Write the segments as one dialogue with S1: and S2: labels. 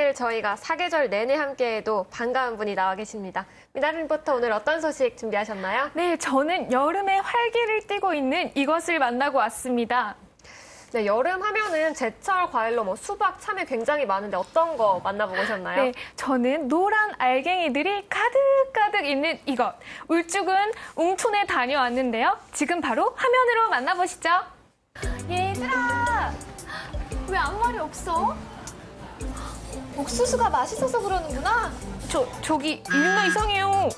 S1: 오늘 저희가 사계절 내내 함께해도 반가운 분이 나와 계십니다. 미나리 리포터 오늘 어떤 소식 준비하셨나요?
S2: 네, 저는 여름의 활기를 띠고 있는 이것을 만나고 왔습니다.
S1: 네, 여름 하면은 제철 과일로 수박, 참외 굉장히 많은데 어떤 거 만나보고 오셨나요?
S2: 네, 저는 노란 알갱이들이 가득가득 있는 이것. 울쭉은 웅촌에 다녀왔는데요. 지금 바로 화면으로 만나보시죠. 얘들아, 왜 아무 말이 없어? 옥수수가 맛있어서 그러는구나. 저기 일나 이상해요.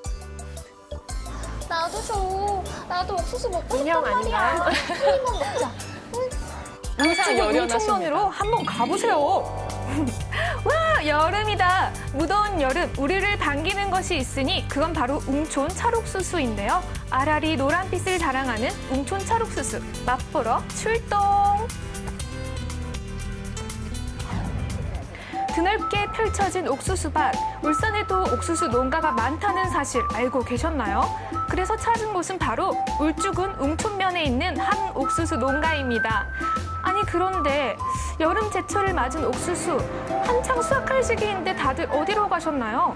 S3: 나도 줘. 나도 옥수수 먹고
S1: 인형
S3: 싶단 말이야.
S1: 아닌가요?
S3: 한 입만 먹자.
S2: 울쭉은 웅촌면으로 한번 가보세요. 와, 여름이다. 무더운 여름, 우리를 반기는 것이 있으니 그건 바로 웅촌 찰옥수수인데요. 아라리 노란빛을 자랑하는 웅촌 찰옥수수, 맛보러 출동! 드넓게 펼쳐진 옥수수밭, 울산에도 옥수수 농가가 많다는 사실 알고 계셨나요? 그래서 찾은 곳은 바로 울쭉은 웅촌면에 있는 한 옥수수 농가입니다. 아니 그런데 여름 제철을 맞은 옥수수, 한창 수확할 시기인데 다들 어디로 가셨나요?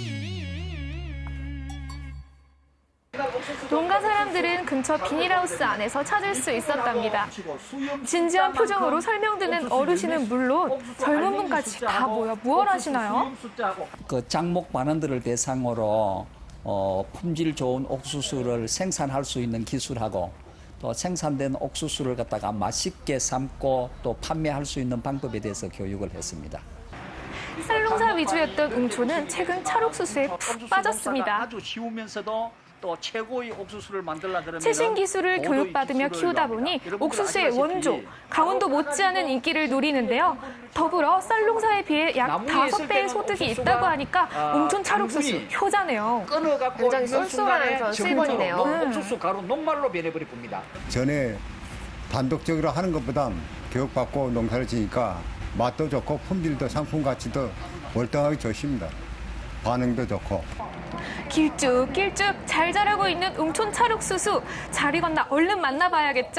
S2: 농가 사람들은 근처 비닐하우스 안에서 찾을 수 있었답니다. 진지한 표정으로 설명드는 어르신은 물론 젊은 분까지 다 모여 무얼 하시나요?
S4: 그 장목 반원들을 대상으로 품질 좋은 옥수수를 생산할 수 있는 기술하고 또 생산된 옥수수를 갖다가 맛있게 삶고 또 판매할 수 있는 방법에 대해서 교육을 했습니다.
S2: 쌀농사 위주였던 웅촌은 최근 찰옥수수에 푹 빠졌습니다.
S4: 아주 쉬우면서도 또 최고의 옥수수를 만들려 그러면
S2: 최신 기술을 교육받으며 키우다 보니 옥수수의 원조, 강원도 못지않은 인기를 누리는데요. 더불어 쌀농사에 비해 약 5배의 소득이 있다고 하니까 웅촌 찰옥수수 효자네요.
S4: 끊어갖고
S1: 굉장히 쏠쏠한 그런 수입원이네요.
S4: 옥수수 가루 녹말로 변해버릴 겁니다.
S5: 전에 단독적으로 하는 것보다 교육받고 농사를 지니까 맛도 좋고 품질도 상품 가치도 월등하게 좋습니다. 반응도 좋고.
S2: 길쭉길쭉 잘 자라고 있는 웅촌 찰옥수수. 잘 익었나 얼른 만나봐야겠죠?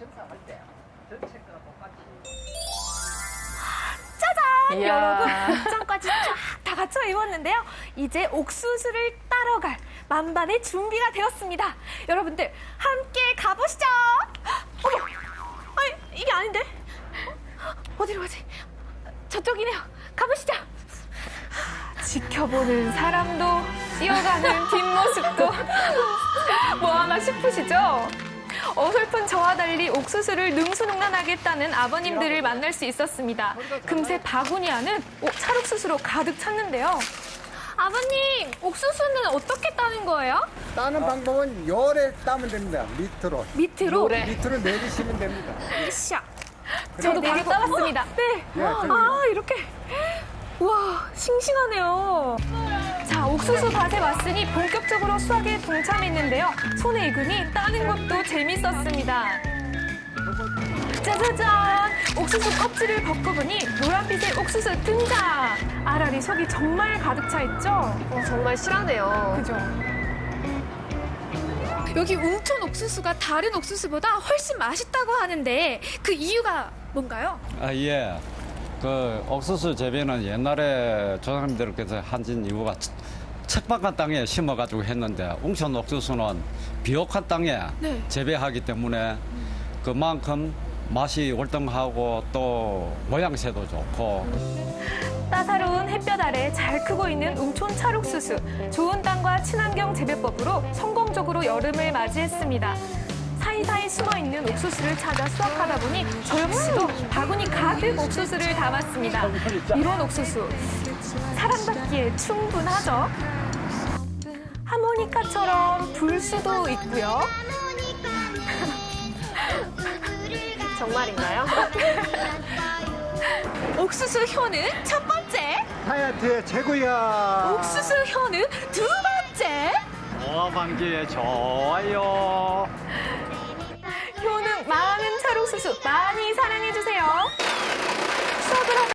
S2: 짜잔!
S1: 이야.
S2: 여러분, 옷장까지 쫙 다 갖춰 입었는데요. 이제 옥수수를 따러 갈 만반의 준비가 되었습니다. 여러분들 함께 가보시죠. 어머, 아니 이게 아닌데? 어디로 가지? 저쪽이네요. 가보시죠. 지켜보는 사람도 뛰어가는 뒷모습도 뭐하나 싶으시죠? 어설픈 저와 달리 옥수수를 능수능란하게 했다는 아버님들을 만날 수 있었습니다. 금세 바구니 안은 찰옥수수로 가득 찼는데요. 아버님, 옥수수는 어떻게 따는 거예요?
S5: 따는 방법은 열에 따면 됩니다. 밑으로.
S2: 밑으로?
S5: 밑으로 내리시면 됩니다.
S2: 으쌰. 저도 바로 따봤습니다. 네. 아, 이렇게. 와, 싱싱하네요. 자, 옥수수 밭에 왔으니 본격적으로 수확에 동참했는데요. 손에 익으니 따는 것도 재밌었습니다. 짜자잔! 옥수수 껍질을 벗고보니 노란빛의 옥수수 등장! 아라리 속이 정말 가득 차 있죠?
S1: 정말 실하네요.
S2: 그죠? 여기 웅촌 옥수수가 다른 옥수수보다 훨씬 맛있다고 하는데 그 이유가 뭔가요?
S6: 예. 그 옥수수 재배는 옛날에 조상님들께서 하신 이유가 척박한 땅에 심어가지고 했는데 웅촌 옥수수는 비옥한 땅에
S2: 네.
S6: 재배하기 때문에 그만큼 맛이 월등하고 또 모양새도 좋고.
S2: 따사로운 햇볕 아래 잘 크고 있는 웅촌 찰옥수수. 좋은 땅과 친환경 재배법으로 성공적으로 여름을 맞이했습니다. 사이사이 숨어있는 옥수수를 찾아 수확하다 보니 저 역시도 바구니 가득 옥수수를 담았습니다. 이런 옥수수 사랑받기에 충분하죠. 하모니카처럼 불 수도 있고요.
S1: 정말인가요?
S2: 옥수수 효는 첫 번째,
S5: 다이어트에 최고야.
S2: 옥수수 효는 두 번째.
S6: 방지에 좋아요.
S2: 효능 많은 찰옥수수 많이 사랑해주세요. 수확을